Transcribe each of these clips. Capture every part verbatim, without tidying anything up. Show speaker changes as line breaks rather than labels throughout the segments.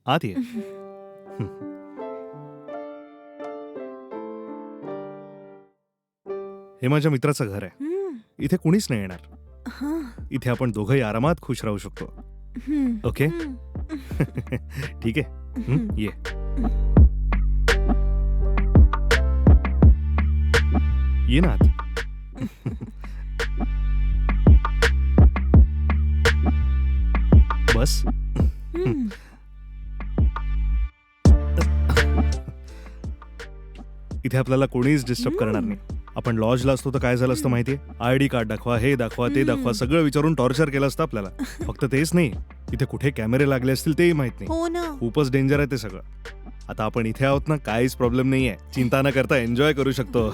आत ये. हे माझ्या मित्राचं घर आहे.
हम्म,
इथे कुणीच नाही येणार.
हा,
इथे आपण दोघंही आरामात खुश राहू शकतो.
हम्म,
ओके.
हम्म,
ठीक आहे. हं,
हम्म.
ये. ये ना आत. बस.
हम्म.
इथे आपल्याला कोणीच डिस्टर्ब करणार नाही. आपण लॉजला असतो तर काय झालं असतं माहितीये? आयडी कार्ड दाखवा, हे दाखवा, ते दाखवा, सगळं विचारून टॉर्चर केलं असतं आपल्याला. फक्त तेच नाही, इथे कुठे कॅमेरे लागले असतील तेही माहित नाही.
हो ना.
खूपच डेंजर आहे ते सगळं. आता आपण इथे आहोत ना, काहीच प्रॉब्लेम नाहीये. चिंता न करता एन्जॉय करू शकतो.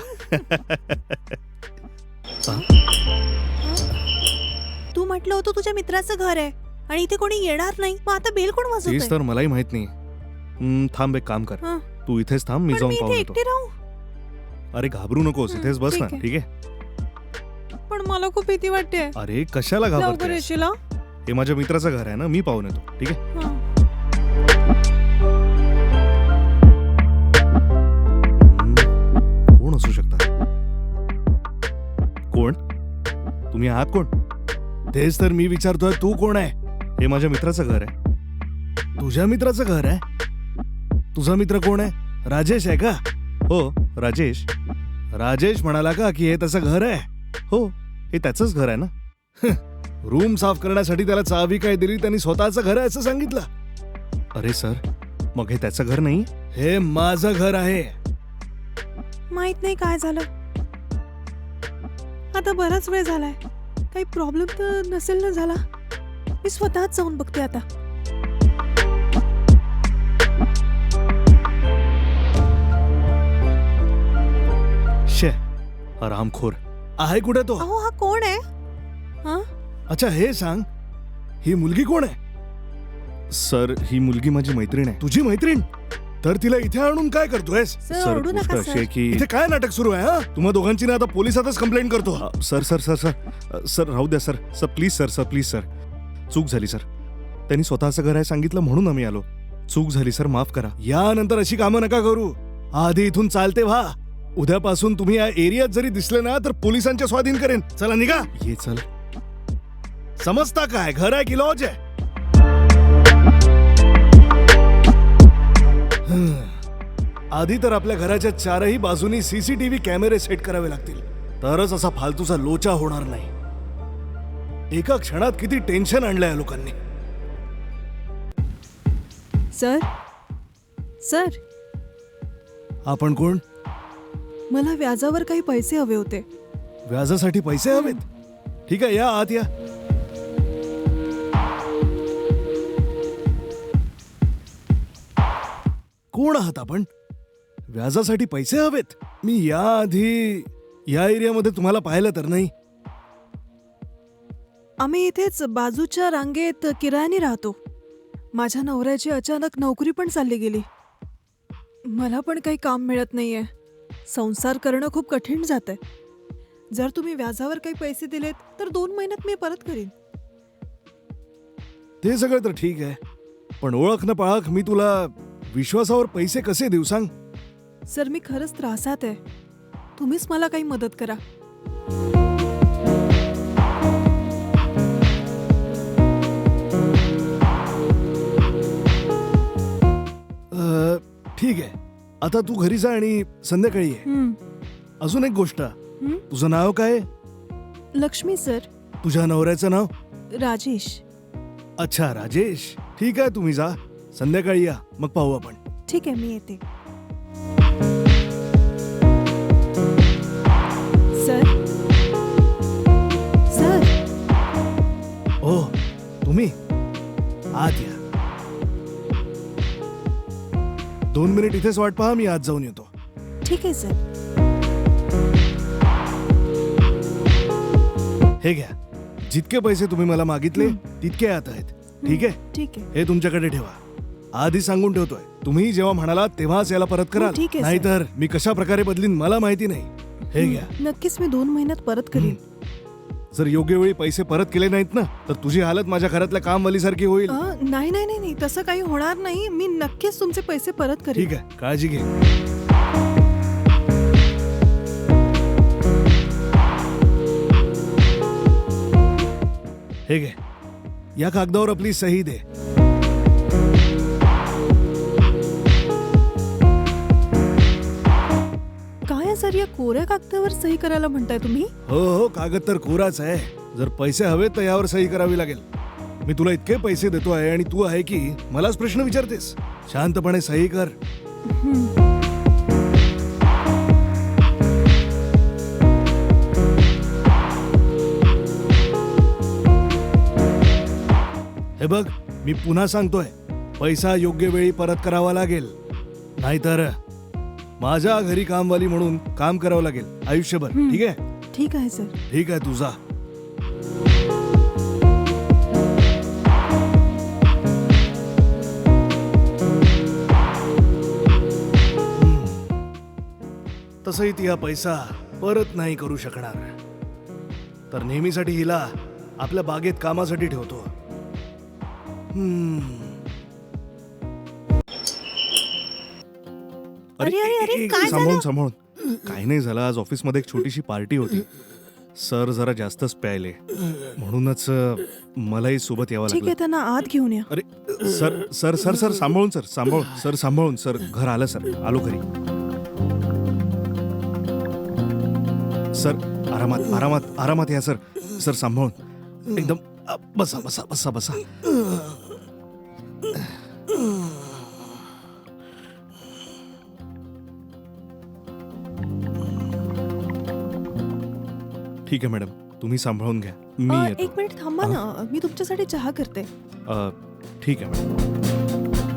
तू म्हटलं होतं तुझ्या मित्राचं घर आहे आणि इथे कोणी येणार नाही, मग आता बेल कोण
तेच
वाजवतंय?
तर मलाही माहित नाही. हं, थांब एक काम कर.
हं.
तू इथेच थांब, मी
पण
जाऊन
मी
पाहून
इथे
येतो.
एकटी राहू?
अरे घाबरू नकोस,
हं,
इथेच बस ना.
ठीक आहे.
ठीक आहे.
पण मला खूप भीती वाटते.
अरे कशाला
लवकर
घाबरतेस?
येशील हा?
हे माझ्या मित्राचं घर आहे ना, मी पाहून येतो. ठीक आहे.
हं.
हम्म, कोण असू शकतात? कोण? तुम्ही आहात कोण? तेच तर मी विचारतोय, तू कोण आहे? हे माझ्या मित्राचं घर आहे. तुझ्या मित्राचं घर आहे? तुझा मित्र कोण आहे? राजेश आहे का? हो, राजेश. राजेश म्हणाला का की हे त्याचं घर आहे? हो, हे त्याचंच घर आहे ना. रूम साफ करण्यासाठी त्याला चावी काय दिली, त्यांनी स्वतःचं घर आहे असं सांगितलं. अरे सर, मग हे त्याचं घर नाही? हे माझं घर आहे.
माहित नाही काय झालं. आता बराच वेळ झालाय. काही प्रॉब्लेम तर नसेल ना झाला? मी स्वतःच जाऊन बघते आता.
शे, हरामखोर आहे कुठे तो?
अहो हा कोण आहे? हा?
अच्छा हे सांग, ही मुलगी कोण आहे? सर, ही मुलगी माझी मैत्रीण आहे. तुझी मैत्रीण? तर तिला इथे आणून काय करतोयस?
सर, ओरडू
गोष्ट
नका,
अशी
सर.
आहे की इथे काय नाटक सुरू आहे? हा, तुम्हा दोघांची ना आता पोलिसातच कंप्लेंट करतो. अ, सर सर सर सर अ, सर राहू द्या sir. Sir please sir sir please sir. चूक झाली सर. त्यांनी स्वतःचं घर आहे सांगितलं म्हणून आम्ही आलो. चूक झाली सर, माफ करा. यानंतर अशी कामं नका करू. आधी इथून चालते व्हा. उद्यापासून तुम्ही या एरियात जरी दिसले ना तर पोलिसांच्या स्वाधीन करेन. चला निघा. ये चल. समजता काय, घर आहे की लॉज आहे? हं. आधी तर आपल्या घराच्या चारही बाजूनी सीसीटीव्ही कॅमेरे सेट करावे लागतील, तरच असा फालतूचा लोचा होणार नाही. एका क्षणात किती टेन्शन आणलंय या लोकांनी.
सर, सर,
आपण कोण?
मला व्याजावर काही पैसे हवे होते.
व्याजासाठी पैसे हवेत? ठीक आहे, या आत या. कोण आहात आपण? व्याजासाठी पैसे हवेत? मी याआधी या एरियामध्ये तुम्हाला पाहिलं तर नाही.
आम्ही इथेच बाजूच्या रांगेत किरायाने राहतो. माझ्या नवऱ्याची अचानक नोकरी पण चालली गेली. मला पण काही काम मिळत नाहीये. संसार करणं खूप कठीण जातंय. जर तुम्ही व्याजावर काही पैसे दिलेत तर दोन महिन्यात मी परत करीन.
ते सगळं तर ठीक आहे, पण ओळख न पाळख मी तुला विश्वासावर पैसे कसे देऊ सांग?
सर, मी खरंच त्रासात आहे. तुम्हीच मला काही मदत करा.
अ, ठीक आहे, आता तू घरी जा आणि संध्याकाळी ये.
हं,
अजून एक गोष्ट,
हं?
तुझं नाव काय?
लक्ष्मी सर.
तुझ्या नवऱ्याचं नाव?
राजेश.
अच्छा, राजेश. ठीक आहे, तुम्ही जा, संध्याकाळी या, मग पाहू आपण.
ठीक आहे, मी येते. सर, सर,
ओ, तुम्ही आत या. दोन मिनिट इथेच वाट पहा, मी आत जाऊन येतो.
ठीक आहे सर.
हे घ्या, जितके पैसे तुम्ही मला मागितले
हं.
तितके आत आहेत. ठीक आहे,
ठीक आहे.
हे तुमच्याकडे ठेवा. आधी सांगून ठेवतोय, तुम्ही जेव्हा म्हणाला तेव्हाच याला परत
हो,
कराल,
ठीक आहे, सर.
नाहीतर मी कशा प्रकारे बदलीन मला माहिती नाही. हे घ्या.
नक्कीच मी दोन महिन्यात परत करीन.
जर योग्य वेळी पैसे परत केले नाहीत ना तर तुझी हालत माझ्या घरातल्या कामवालीसारखी होईल.
अ, नाही नाही नाही नाही, तसं काही होणार नाही. मी नक्कीच तुमचे पैसे परत करेन.
ठीक आहे, काळजी घे. हे घे, या कागदावर आपली सही दे.
काय आहे सर, या कोऱ्या कागदावर सही करायला म्हणताय तुम्ही?
हो हो, कागद तर कोराच आहे. जर पैसे हवे तर यावर सही करावी लागेल. मी तुला इतके पैसे देतो आहे आणि तू आहे की मलाच प्रश्न विचारतेस. शांतपणे सही कर. हे बघ, मी पुन्हा सांगतोय, पैसा योग्य वेळी परत करावा लागेल, नाहीतर माझ्या घरी कामवाली म्हणून काम करावं लागेल आयुष्यभर. ठीक आहे?
ठीक आहे सर.
ठीक आहे, तुझा. तसंही ती हा पैसा परत नाही करू शकणार, तर नेहमीसाठी हिला आपल्या बागेत कामासाठी ठेवतो. हम्म.
अरे, अरे, अरे,
एक-
काय
सांभाळून
झालं?
सांभाळून काही नाही झालं. आज ऑफिसमध्ये एक छोटीशी पार्टी होती. सर जरा जास्तच प्यायले, म्हणूनच अ, मलाही सोबत यावं
ठीक आहे,
लागलं.
त्यांना आत घेऊन या.
अरे सर सर सर सर सांभाळून सर सांभाळून सर सांभाळून सर घर आलं सर, आलो घरी. सर आरामात आरामात आरामात या सर. सर सांभाळून एकदम. अ, बसा बसा बसा बसा. ठीक आहे मॅडम, तुम्ही सांभाळून घ्या. मी
अ,
येतो.
एक मिनिट थांबा ना, मी तुमच्यासाठी चहा करते.
अ, ठीक आहे मॅडम.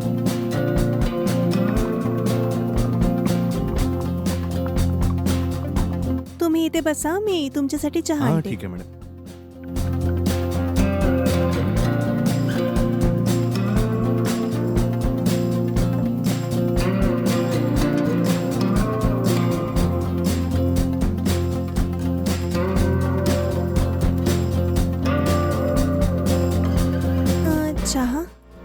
तुम्ही इथे बसा, मी तुमच्यासाठी चहा
हा
आणते.
ठीक आहे मॅडम.
अ, चहा.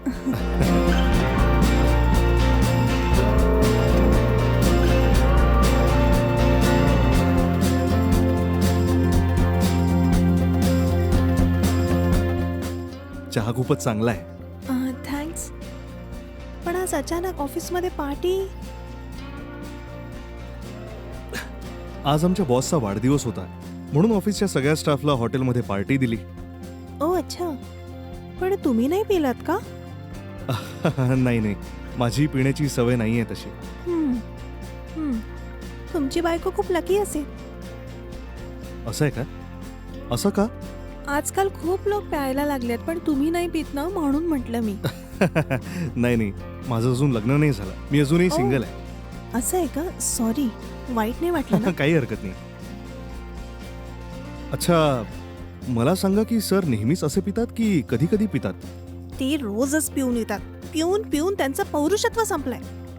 चहा खूपच चांगला आहे.
थँक्स. पण आज अचानक ऑफिसमध्ये पार्टी.
आज आमच्या बॉसचा वाढदिवस होता, म्हणून ऑफिसच्या सगळ्या स्टाफला हॉटेलमध्ये पार्टी दिली.
ओ अच्छा, पण तुम्ही नाही पिलात का?
नाही नाही, माझी पिण्याची सवय नाही आहे तशी.
हम्म, हम्म. तुमची बायको खूप लकी असेल.
असं आहे का? असं का?
आजकाल खूप लोक प्यायला लागलेत, पण तुम्ही नाही पित ना, म्हणून म्हटलं मी.
नाही नाही, माझं अजून लग्न नाही झालं. मी अजूनही
ओ.
सिंगल आहे.
असं आहे का? सॉरी, वाईट नाही वाटलं ना?
काही हरकत नाही. अच्छा, मला सांगा की सर नेहमीच असे पितात की कधी कधी पितात?
ते रोजच पिऊन येतात. पिऊन पिऊन त्यांचं पौरुषत्व संपलंय.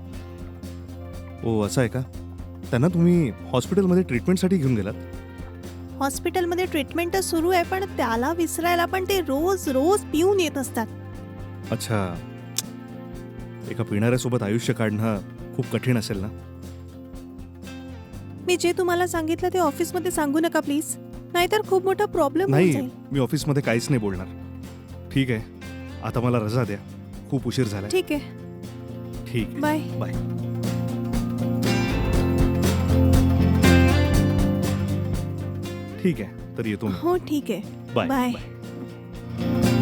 ओ असं आहे का? त्यांना तुम्ही हॉस्पिटलमध्ये ट्रीटमेंटसाठी घेऊन गेलात?
हॉस्पिटलमध्ये ट्रीटमेंट तर सुरू आहे, पण त्याला विसरायला पण ते रोज रोज पिऊन येत असतात.
अच्छा, एका पिणाऱ्यासोबत आयुष्य काढणं खूप कठीण असेल ना?
मी जे तुम्हाला सांगितलं ते ऑफिसमध्ये सांगू नका प्लीज, नाहीतर खूप मोठा प्रॉब्लेम होऊन
नाही,
जाईल.
मी ऑफिसमध्ये काहीच नाही बोलणार. ठीक आहे, आता मला रजा द्या, खूप उशीर झालाय.
ठीक आहे,
ठीक आहे,
बाय.
बाय. ठीक आहे, तर येतो मी.
हो ठीक आहे,
बाय
बाय.
बाय.